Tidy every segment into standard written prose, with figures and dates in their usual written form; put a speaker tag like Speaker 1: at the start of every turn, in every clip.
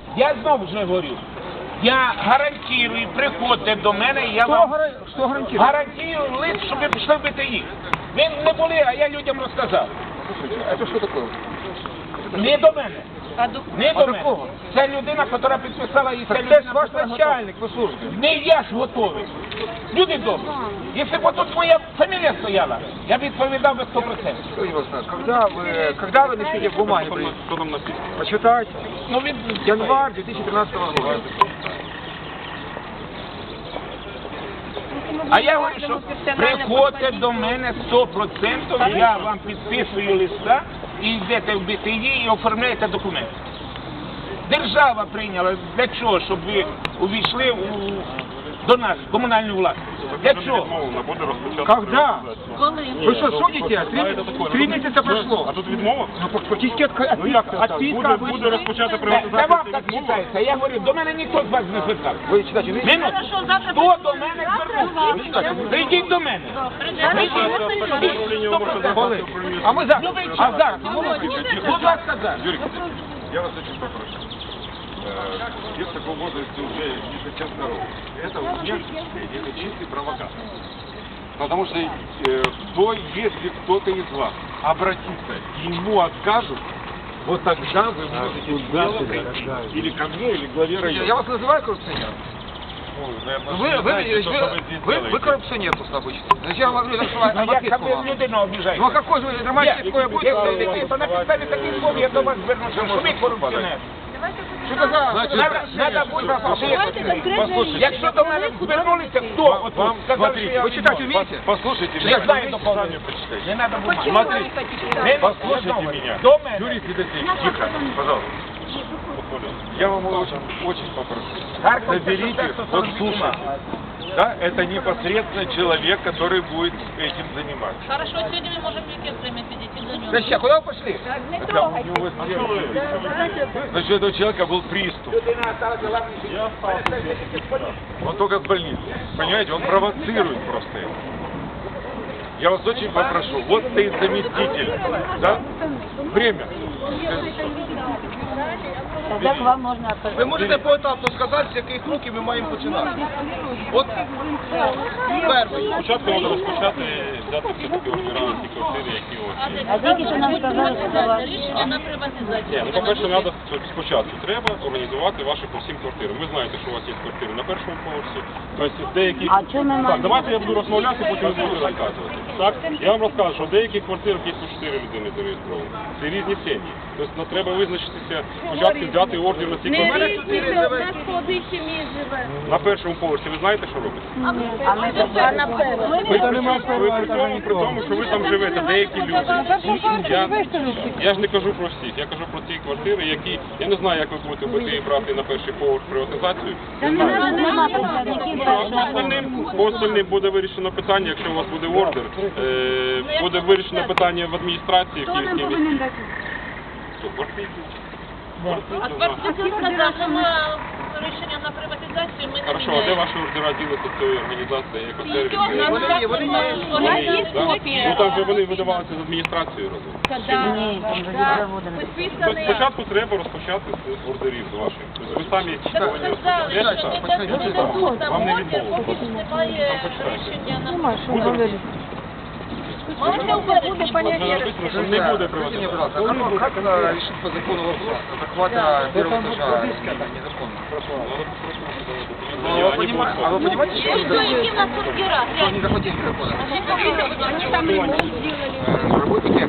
Speaker 1: Я знову вже говорю. Я гарантую, приходьте до мене, я вам гарантую лист, щоб ви пішли бити їх. Ви не були, а я людям розказав.
Speaker 2: Это что такое?
Speaker 1: Не до мене. Не до мене. Це людина, яка підписала, і це людина,
Speaker 2: Ваш начальник, ви служите.
Speaker 1: не я ж готовий. Люди добрі. Якщо б тут моя фамілія стояла, я б відповідав би 100%.
Speaker 2: Когда вы начнете бумаги?
Speaker 3: Что там написано?
Speaker 2: Почитайте.
Speaker 1: Ну, він...
Speaker 2: Январь 2013 года.
Speaker 1: А я говорю, що приходьте до мене 100%, я вам підписую листа, і йдете в БТІ і оформляєте документи. Держава прийняла для чого, щоб ви увійшли до нас, в комунальну власність. Для чого?
Speaker 2: Когда? Вы что, судите? Три месяца прошло.
Speaker 3: А тут відмова?
Speaker 2: Ну, фактически отписка.
Speaker 3: Буде розпочати
Speaker 1: Це
Speaker 3: приватизацію.
Speaker 1: вам так читається. Я говорю, до мене ніхто з вас не звертав.
Speaker 2: Вы читайте, умеете?
Speaker 1: Минуту. Хто до мене звернувся? Прийдіть до мене.
Speaker 2: А мы за. А за.
Speaker 1: Будь ласка, за.
Speaker 3: Юрий, я вас очень попрошу. Без такого возраста уже не хотят здоровья. Это чистый провокатор. Потому что если кто-то из вас обратится, ему откажут, вот тогда вы можете смело прийти или ко мне, или к главе района.
Speaker 2: Я вас называю коррупционером? Вы коррупционер просто обычно. Зачем вам говорю, что
Speaker 1: Як ви людину обіжаєте?
Speaker 2: Ну а какой же нормальный такое будет?
Speaker 1: То на підставі таких слов я до вас звернуся, що ви корупціонер.
Speaker 2: Что это за...
Speaker 1: Надо буде послухати. Якщо до мене звернулися, хто? От вам сказав, що я...
Speaker 2: Вы читать умеете?
Speaker 3: Послушайте
Speaker 1: Я
Speaker 3: меня.
Speaker 1: знаю доповнення. Не треба бумаги.
Speaker 3: Смотрите, послушайте меня.
Speaker 1: До мене.
Speaker 3: Юрий Федотеевич, тихо, пожалуйста. Я вам очень попрошу. Заберите, вот слушайте. Да, это непосредственно человек, который будет этим заниматься.
Speaker 4: Хорошо, сегодня мы можем векет время сидеть и займем.
Speaker 2: Зачем? Куда вы пошли?
Speaker 3: Значит, у этого человека был приступ. Он только с больницы. Понимаете, он провоцирует просто это. Я вас очень попрошу, вот стоит заместитель, да? Время.
Speaker 5: Як вам можна отказати?
Speaker 6: Ви можете поетапно сказати, з яких років ми маємо починати? От перший.
Speaker 3: Спочатку треба розпочати взяти все-таки ордера на ті квартири, які ось.
Speaker 5: А тільки що нам сказали, що це ваш.
Speaker 4: Рішення на приватизацію.
Speaker 3: Ну, по-перше, треба спочатку треба організувати ваші по всім квартирам. Ви знаєте, що у вас є квартири на першому поверсі, тобто деякі...
Speaker 5: А чому ми
Speaker 3: Так,
Speaker 5: маємо?
Speaker 3: давайте я буду розмовляти, потім ви будете розказувати. Так, я вам розкажу, що в деяких квартирах є по 4 людини зареєстровані. Це різні сім'ї. Тобто нам треба визначитися, спочатку взяти ордер на ці квартири. На першому поверсі ви знаєте, що робиться? Ви при тому, що ви там живете, деякі люди. Я ж не кажу про всіх, я кажу про ті квартири, які, я не знаю, як ви будете БТІ брати на перший поверх приватизацію. Не знаю. По остальним буде вирішено питання, якщо у вас буде ордер, буде вирішено питання в адміністрації в Київській міській. Що, квартири?
Speaker 4: А квартирки сказав, що ми рішення на приватизацію ми не
Speaker 3: Хорошо, а де ваші ордера ділися з цієї організації, як сервіс?
Speaker 4: Вони є, копія.
Speaker 3: Ну там же вони видавалися з адміністрацією разом.
Speaker 5: Ні, там вже заводили.
Speaker 3: Тобто спочатку треба розпочати з ордерів ваших. Тобто ви самі вам не відмовили.
Speaker 4: Немає рішення на приватизацію. Можете
Speaker 3: Написано, що не буде
Speaker 2: Скажите мне,
Speaker 3: приватизації.
Speaker 2: пожалуйста, как решить по закону вопрос захвата первого этажа незаконно? А вы понимаете, что
Speaker 4: Які в нас ордера?
Speaker 2: они захватили незаконно?
Speaker 4: Вони там ремонт зробили.
Speaker 2: Работники?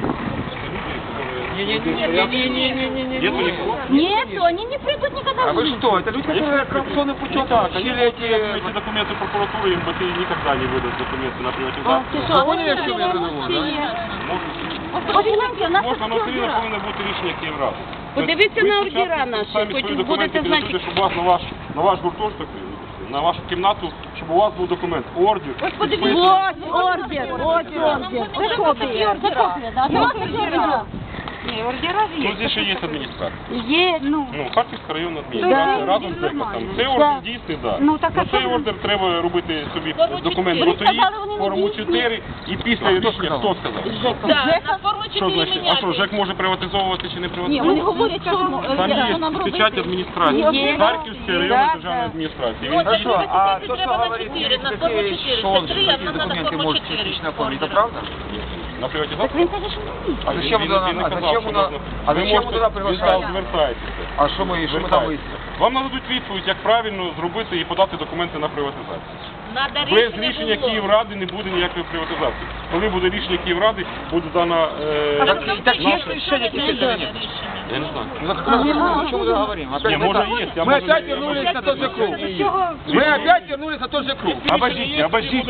Speaker 3: Нету никого?
Speaker 5: Нет, они не придут никогда
Speaker 2: А
Speaker 5: в
Speaker 2: вы
Speaker 5: жизнь.
Speaker 2: что? Это люди, которые коррупционным путем получили
Speaker 3: Эти документы прокуратуры, им БТИ никогда не выдаст документы на приватизацию.
Speaker 5: Ти що,
Speaker 2: Вы поняли, в чем я задумал, да?
Speaker 5: Погляньте, у нас
Speaker 3: Можна, але
Speaker 5: такі
Speaker 3: все рівно
Speaker 5: ордера.
Speaker 3: повинно бути рішення Київради.
Speaker 4: Подивіться на ордера
Speaker 3: наші,
Speaker 4: наші, хоч будете знати.
Speaker 3: Щоб у вас на ваш гуртожиток, на вашу кімнату, щоб у вас був документ, ордер. підписаний.
Speaker 5: Ось ордер, ось ордер. Це копія. Це копія, да? Це ваша ордера. Не, ордера же
Speaker 7: Ну,
Speaker 5: есть.
Speaker 7: здесь ще є адміністрація.
Speaker 5: Ну,
Speaker 7: Ну, Харківська районна адміністрація
Speaker 5: Да,
Speaker 7: разом з
Speaker 5: да,
Speaker 7: ЕКОСом.
Speaker 5: да.
Speaker 7: Цей ордер дійсний, так.
Speaker 5: Ну, так, а
Speaker 7: цей
Speaker 5: що ви-
Speaker 7: ордер треба робити собі
Speaker 4: Форму
Speaker 7: документ
Speaker 4: 4.
Speaker 7: ГОТОІ,
Speaker 5: Ви сказали, вони не
Speaker 7: форму
Speaker 5: дійсні.
Speaker 7: 4 і після рішення, хто сказав?
Speaker 4: Так, на форму 4
Speaker 7: Що значить? А що,
Speaker 4: міняти.
Speaker 7: ЖЕК може приватизовувати чи не
Speaker 5: Ні,
Speaker 7: приватизовувати?
Speaker 5: вони говорять, що
Speaker 7: Там є
Speaker 5: нам робити.
Speaker 7: печать адміністрації,
Speaker 5: Є.
Speaker 7: Харківської районної
Speaker 5: Да,
Speaker 7: державної
Speaker 5: да.
Speaker 7: адміністрації.
Speaker 4: Ну,
Speaker 7: Він
Speaker 4: так,
Speaker 7: дійсно-
Speaker 2: А то,
Speaker 4: треба
Speaker 2: что
Speaker 4: на
Speaker 2: говорит
Speaker 4: 4, на форму
Speaker 2: Сергей
Speaker 4: 4.
Speaker 2: Шон,
Speaker 4: Це 3,
Speaker 2: что
Speaker 4: а
Speaker 2: такие
Speaker 4: нам надо
Speaker 2: документы
Speaker 4: форму
Speaker 2: может
Speaker 4: 4.
Speaker 2: частично оформить, это
Speaker 4: ордера.
Speaker 2: правда?
Speaker 7: на приватизацію?
Speaker 5: Він каже, що ні.
Speaker 2: А зачем
Speaker 7: Він
Speaker 2: туда,
Speaker 7: не
Speaker 2: а
Speaker 7: казав,
Speaker 2: зачем
Speaker 7: що
Speaker 2: туда,
Speaker 7: можна.
Speaker 2: а
Speaker 7: Ви
Speaker 2: зачем
Speaker 7: можете-
Speaker 2: туда
Speaker 7: він
Speaker 2: приглашать?
Speaker 7: сказав, звертайтеся.
Speaker 2: А что мы там
Speaker 7: Звертайтеся.
Speaker 2: выясним?
Speaker 7: Вам нададуть відповідь, як правильно зробити і подати документи на приватизацію.
Speaker 4: Надо
Speaker 7: Без рішення
Speaker 4: було.
Speaker 7: Київради не буде ніякої приватизації. Коли буде рішення Київради, буде дана...
Speaker 2: Так есть решение теперь или нет?
Speaker 7: Я не знаю.
Speaker 2: Ну, так как раз о чем мы говорим? Опять
Speaker 7: Не,
Speaker 2: мы
Speaker 7: может,
Speaker 2: так-
Speaker 7: есть, а
Speaker 2: Мы
Speaker 7: может,
Speaker 2: опять
Speaker 7: я
Speaker 2: вернулись
Speaker 7: могу-
Speaker 2: на тот же круг. Мы опять вернулись на тот же круг.
Speaker 7: Обождите, обождите.